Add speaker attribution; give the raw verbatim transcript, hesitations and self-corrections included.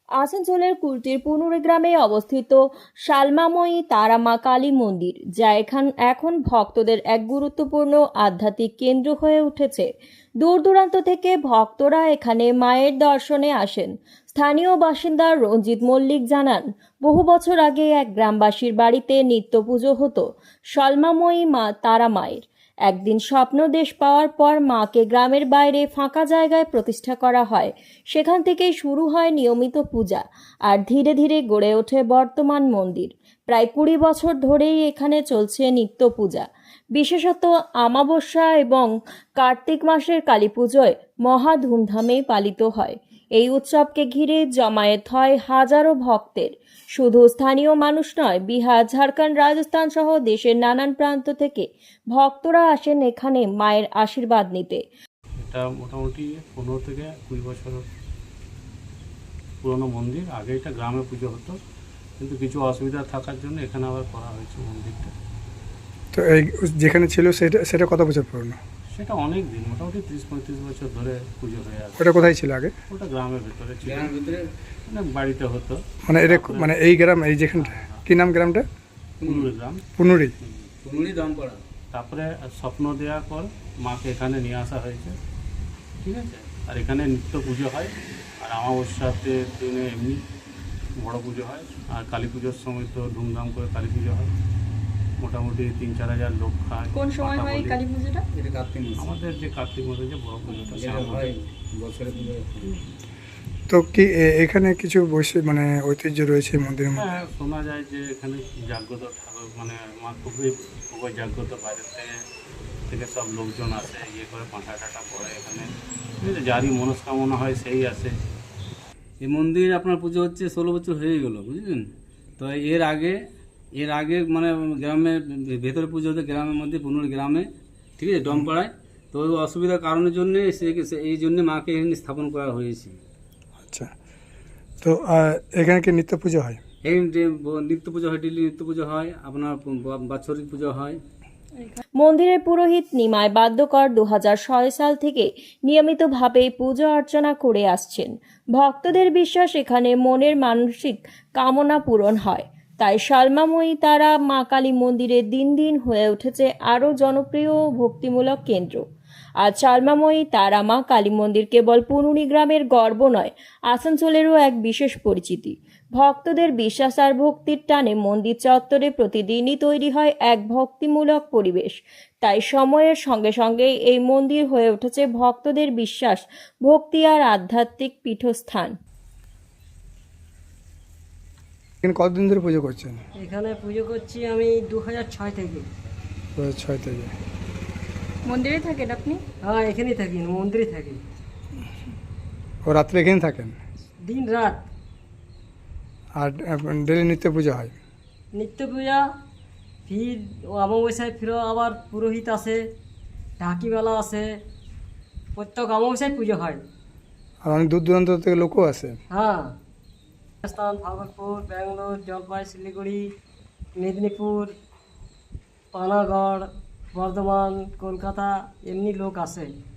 Speaker 1: আসানসোলের কুলটির পুনুরে গ্রামে অবস্থিত শালমাময়ী তারা মা কালী মন্দির, যা এখান এখন ভক্তদের এক গুরুত্বপূর্ণ আধ্যাত্মিক কেন্দ্র হয়ে উঠেছে। দূর দূরান্ত থেকে ভক্তরা এখানে মায়ের দর্শনে আসেন। স্থানীয় বাসিন্দা রঞ্জিত মল্লিক জানান, বহু বছর আগে এক গ্রামবাসীর বাড়িতে নিত্য পুজো হতো শালমাময়ী মা তারা মায়ের। একদিন স্বপ্নদেশ পাওয়ার পর মাকে গ্রামের বাইরে ফাঁকা জায়গায় প্রতিষ্ঠা করা হয়। সেখান থেকেই শুরু হয় নিয়মিত পূজা, আর ধীরে ধীরে গড়ে ওঠে বর্তমান মন্দির। প্রায় কুড়ি বছর ধরেই এখানে চলছে নিত্য পূজা। বিশেষত আমাবস্যা এবং কার্তিক মাসের কালী পুজোয় মহা ধুমধামেই পালিত হয়। এই উৎসবকে ঘিরে জমায়েত হয় হাজারো ভক্তের। শুধু স্থানীয় মানুষ নয়, বিহার, ঝাড়খণ্ড, রাজস্থান সহ দেশের নানান প্রান্ত থেকে ভক্তরা আসেন এখানে মায়ের আশীর্বাদ নিতে।
Speaker 2: এটা মোটামুটি পনেরো থেকে কুড়ি বছর পুরনো মন্দির। আগে এটা গ্রামে পুজো হতো, কিন্তু কিছু অসুবিধা থাকার জন্য এখানে আবার করা হয়েছে মন্দিরটা।
Speaker 3: তো এই যেখানে ছিল সেটা সেটা কত বছর পুরনো?
Speaker 2: সেটা অনেক দিন, মোটামুটি ত্রিশ পঁয়ত্রিশ বছর ধরে পুজো হয়ে আসে।
Speaker 3: ওটা কোথায় ছিল আগে?
Speaker 2: ওটা গ্রামের ভিতরে ছিল, মানে বাড়িতে হতো।
Speaker 3: মানে এটা মানে এই গ্রাম, এই যেখানটা কি নাম গ্রামটা?
Speaker 2: পুনুরি গ্রাম।
Speaker 3: পুনুরি
Speaker 2: পুনুরি দামপাড়া। তারপরে স্বপ্ন দেওয়ার পর মাকে এখানে নিয়ে আসা হয়েছে, ঠিক আছে। আর এখানে নিত্য পুজো হয়, আর অমাবস্যাতে দিনে এমনি বড় পুজো হয়, আর কালী পুজোর সময় তো ধুমধাম করে কালী পুজো হয়। মোটামুটি তিন চার হাজার লোক খায়।
Speaker 1: কোন সময় হয় কালী পুজোটা?
Speaker 2: এটা কার্তিক মাস। আমাদের যে কার্তিক মাসে যে বড় পুজোটা সেটা হয় বছরে পুজো।
Speaker 3: তো কি এ- এখানে কিছু বৈশিষ্ট্য মানে ঐতিহ্য রয়েছে মন্দিরের মধ্যে?
Speaker 2: হ্যাঁ, শোনা যায় যে এখানে জাগ্রত ঠাকুর, মানে মা খুবই খুবই জাগ্রত। বাইরের থেকে থেকে সব লোকজন আসে, ইয়ে করে পাঁঠা টাটা পড়ে এখানে, ঠিক আছে। যারই মনস্কামনা হয় সেই আসে।
Speaker 4: এই মন্দির আপনার পুজো হচ্ছে ষোলো বছর হয়ে গেল, বুঝলেন তো। এর আগে এর আগে মানে গ্রামে ভেতরে পুজো হতো গ্রামের মধ্যে, পুনর গ্রামে, ঠিক আছে, ডমপাড়ায়। তো অসুবিধার কারণের জন্যে সে এই জন্যে মাকে এখানে স্থাপন করা হয়েছে।
Speaker 3: আচ্ছা, তো আহ, এখানে কি নিত্য পুজো হয়?
Speaker 4: এই যে নিত্য পুজো হয়, ডেলি নিত্য পুজো হয়, আপনার বাৎসরিক পুজো হয়।
Speaker 1: মন্দিরের পুরোহিত নিমাই বাদ্যকর দু হাজার ছয় সাল থেকে নিয়মিতভাবে পুজো অর্চনা করে আসছেন। ভক্তদের বিশ্বাস, এখানে মনের মানসিক কামনা পূরণ হয়। তাই শালমাময়ী তারা মা কালী মন্দিরে দিন দিন হয়ে উঠেছে আরও জনপ্রিয় ও ভক্তিমূলক কেন্দ্র। আর শালমাময়ী তারা মা কালী মন্দির কেবল পুনুরি গ্রামের গর্ব নয়, আসানসোলেরও এক বিশেষ পরিচিতি। ভক্তদের বিশ্বাস আর ভক্তির টানে মন্দির চত্বরে প্রতিদিনই তৈরি হয় এক ভক্তিমূলক পরিবেশ। তাই সময়ের সঙ্গে সঙ্গে এই মন্দির হয়ে উঠেছে ভক্তদের বিশ্বাস, ভক্তি আর আধ্যাত্মিক পীঠস্থান।
Speaker 3: এখানে কতদিন ধরে পুজো করছেন?
Speaker 5: এখানে পুজো করছি আমি দু হাজার ছয় থেকে।
Speaker 3: দু হাজার ছয় থেকে
Speaker 1: মন্দিরে থাকেন আপনি?
Speaker 5: হ্যাঁ, এখানেই থাকি, মন্দিরে থাকি,
Speaker 3: ও রাত্রে এখানে থাকেন?
Speaker 5: দিন রাত।
Speaker 3: আর ডেলি নিত্য পুজো হয়?
Speaker 5: নিত্য পূজা, ফির ও অমাবস্যায় ফিরো আবার পুরোহিত আসে, ঢাকিবেলা আসে, প্রত্যেক অমাবস্যায় পুজো হয়।
Speaker 3: আর অনেক দূর দূরান্ত থেকে লোকও আসে?
Speaker 5: হ্যাঁ, রাজস্থান, ভাগলপুর, ব্যাঙ্গালোর, জলপাই, শিলিগুড়ি, মেদিনীপুর, পানাগড়, বর্ধমান, কলকাতা, এমনি লোক আসে।